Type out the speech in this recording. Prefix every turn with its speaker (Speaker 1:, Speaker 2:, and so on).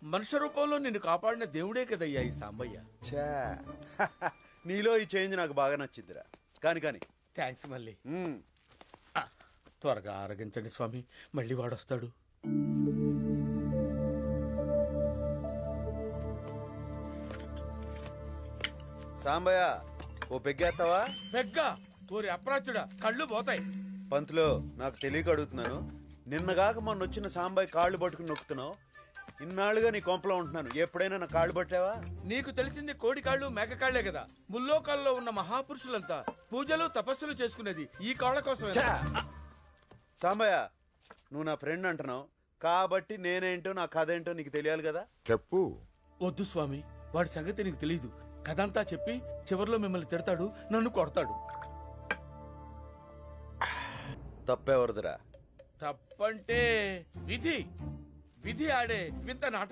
Speaker 1: మనుష్య రూపంలో నిన్ను కాపాడిన దేవుడే కదయ్యా ఈ సాంబయ్య.
Speaker 2: ఛా నీలో ఈ చేంజ్ నాకు బాగా నచ్చిందిరా. కానీ
Speaker 1: థ్యాంక్స్ మళ్ళీ. త్వరగా ఆరగించండి స్వామి, మళ్ళీ వాడొస్తాడు.
Speaker 2: సాంబయ్య ఓ పెగ్గేస్తావా?
Speaker 1: పెగ్గా? ఊరి అప్రాచుడా, కళ్ళు పోతాయి.
Speaker 2: పంతులో నాకు తెలియక అడుగుతున్నాను. నిన్నగాక మొన్న వచ్చిన సాంబయ్య కాళ్ళు పట్టుకుని నొక్కుతున్నావు. ఇన్నాళ్ళుగా నీ కొంపలో ఉంటున్నాను, ఎప్పుడైనా నా కాళ్ళు పట్టావా?
Speaker 1: నీకు తెలిసింది కోడి కాళ్ళు మేక కాళ్లే కదా. ముల్లోకాల్లో ఉన్న మహాపురుషులంతా పూజలు తపస్సులు చేసుకునేది ఈ కాళ్ళ కోసం.
Speaker 2: సాంబయ్య నువ్వు నా ఫ్రెండ్ అంటున్నావు కాబట్టి నేనేంటో నా కథ ఏంటో నీకు తెలియాలి కదా.
Speaker 3: చెప్పు.
Speaker 1: వద్దు స్వామి, వాడి సంగతి నీకు తెలీదు. కథంతా చెప్పి చివర్లో మిమ్మల్ని తిడతాడు, నన్ను కొడతాడు.
Speaker 2: తప్పెవరదురా?
Speaker 1: తప్పంటే విధి ఆడే వింత నాటకం.